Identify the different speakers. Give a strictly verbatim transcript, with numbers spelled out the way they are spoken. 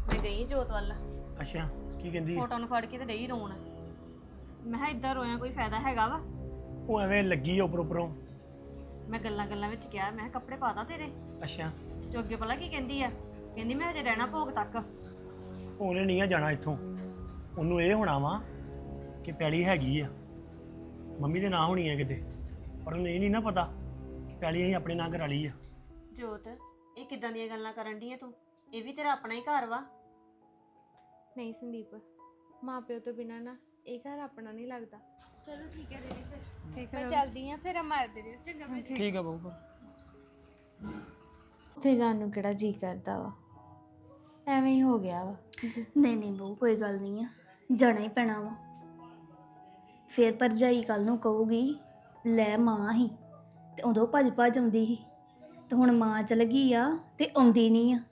Speaker 1: ਮੈਂ ਗਈ ਜੋਤ ਵੱਲ,
Speaker 2: ਅੱਛਾ ਕੀ ਕਹਿੰਦੀ ਆ?
Speaker 1: ਫੋਟੋ ਨੂੰ ਫੜ ਕੇ ਤੇ ਡਈ ਰੋਣ। ਮੈਂ ਕਿਹਾ ਇਦਾਂ ਰੋਇਆ ਕੋਈ ਫਾਇਦਾ ਹੈਗਾ ਵਾ?
Speaker 2: ਉਹ ਐਵੇਂ ਲੱਗੀ ਆ ਉੱਪਰ ਉੱਪਰੋਂ।
Speaker 1: ਮੈਂ ਗੱਲਾਂ ਗੱਲਾਂ ਵਿੱਚ ਕਿਹਾ, ਮੈਂ ਕਿਹਾ ਕੱਪੜੇ ਪਾਦਾ ਤੇਰੇ?
Speaker 2: ਅੱਛਾ
Speaker 1: ਤੇ ਅੱਗੇ ਪਤਾ ਕੀ ਕਹਿੰਦੀ ਆ? ਕਹਿੰਦੀ ਮੈਂ ਹਜੇ ਰਹਿਣਾ ਭੋਗ ਤੱਕ।
Speaker 2: ਉਹਨੇ ਨਹੀਂ ਆ ਜਾਣਾ ਇੱਥੋਂ। ਉਹਨੂੰ ਇਹ ਹੋਣਾ ਵਾ ਕਿ ਪੈਲੀ ਹੈਗੀ ਆ ਮੰਮੀ ਦੇ ਨਾਂ ਹੋਣੀ ਆ ਕਿਤੇ, ਪਰ ਉਹਨੂੰ ਇਹ ਨਹੀਂ ਨਾ ਪਤਾ ਕਿ ਪੈਲੀ ਅਸੀਂ ਆਪਣੇ ਨਾਂ ਕਰਾ ਲਈ ਆ।
Speaker 1: ਜੋਤ, ਇਹ ਕਿੱਦਾਂ ਦੀਆਂ ਗੱਲਾਂ ਕਰਨ ਡਈ ਆ ਤੂੰ? ਇਹ ਵੀ ਤੇਰਾ ਆਪਣਾ ਹੀ ਘਰ ਵਾ।
Speaker 3: ਨਹੀਂ ਸੰਦੀਪ, ਮਾਂ ਪਿਓ ਤੋਂ ਬਿਨਾਂ ਨਾ ਇਹ ਘਰ ਆਪਣਾ ਨਹੀਂ ਲੱਗਦਾ। ਚਲੋ ਠੀਕ ਹੈ ਦੀਦੀ, ਫਿਰ
Speaker 1: ਠੀਕ
Speaker 3: ਮੈਂ ਚੱਲਦੀ ਆ, ਫਿਰ ਮਾਰਦੇ ਰਹੋ ਚੰਗਾ। ਮੈਂ
Speaker 2: ਠੀਕ ਆ ਬਾਬੂ ਫਿਰ।
Speaker 3: ਉੱਥੇ ਜਾਣ ਨੂੰ ਕਿਹੜਾ ਜੀ ਕਰਦਾ ਵਾ, ਐਵੇਂ ਹੀ ਹੋ ਗਿਆ ਵਾ।
Speaker 4: ਨਹੀਂ ਨਹੀਂ ਬਹੂ, ਕੋਈ ਗੱਲ ਨਹੀਂ ਆ, ਜਾਣਾ ਹੀ ਪੈਣਾ ਵਾ। ਫੇਰ ਭਰਜਾਈ ਕੱਲ ਨੂੰ ਕਹੂਗੀ ਲੈ ਮਾਂ ਹੀ, ਤੇ ਉਦੋਂ ਭੱਜ ਭੱਜ ਆਉਂਦੀ ਸੀ, ਤੇ ਹੁਣ ਮਾਂ ਚਲ ਗਈ ਆ ਤੇ ਆਉਂਦੀ ਨਹੀਂ ਆ।